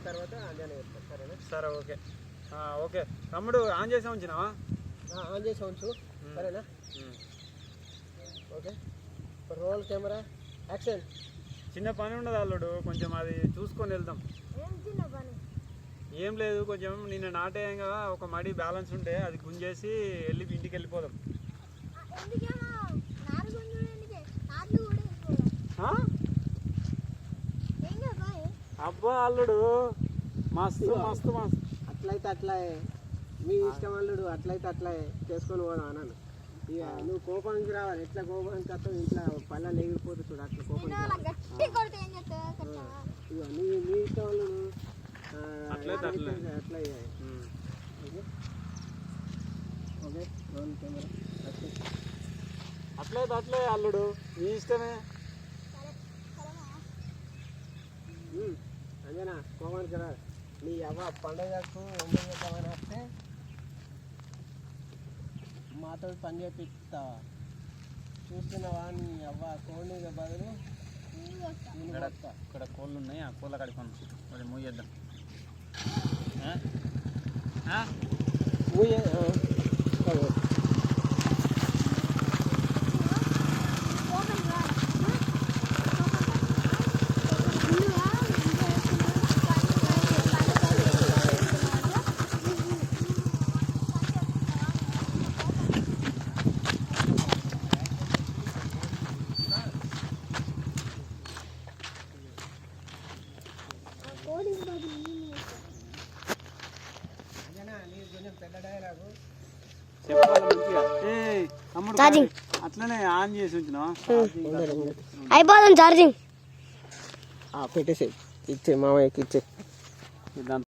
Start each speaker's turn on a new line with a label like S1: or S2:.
S1: తర్వాత అంజనా చెప్తాను. సరేనా?
S2: సరే ఓకే ఓకే తమ్ముడు ఆన్ చేసా ఉంచినావా?
S1: ఆన్ చేసి ఉంచు. సరేనా? ఓకే. Roll camera action.
S2: చిన్న పని ఉండదు అల్లుడు, కొంచెం అది చూసుకొని వెళ్దాం. ఏం లేదు, కొంచెం నిన్న నాటేయంగా ఒక మడి బ్యాలెన్స్ ఉంటే అది గుంజేసి ఇంటికి వెళ్ళిపోదాం. అబ్బా అల్లుడు మస్తు మస్తు మస్తు.
S1: అట్లయితే అట్లా మీ ఇష్టం అల్లుడు, అట్లయితే అట్లా చేసుకొని పోదాం అన్నాను. ఇక నువ్వు కోపానికి రావాలి. ఎట్లా కోపానికి వస్తావు, ఇంట్లో పళ్ళ లేకపోతే చూడు అట్లా కోపానికి ఇక నీ ఇష్టం అల్లుడు. అట్లయితే ఓకే. రోల్ కెమెరా
S2: అట్లయితే అట్లే అల్లుడు, నీ ఇష్టమే.
S1: అంజనా కోపానికి రా. నీ అవ్వ పండుగకు వందని వస్తే మాతో పని చేపిస్తావా? చూస్తున్నావా? నీ అవ్వ కోడిగా బదులు
S2: ఇక్కడ కోళ్ళు ఉన్నాయి, ఆ కోళ్ళ కడుకోను మరి మూయేద్దాం. అట్లనే ఆన్ చేసి ఉంచినా
S1: అయిపోతుంది ఛార్జింగ్. పెట్టేసి ఇచ్చే మామయ్యకి ఇచ్చే.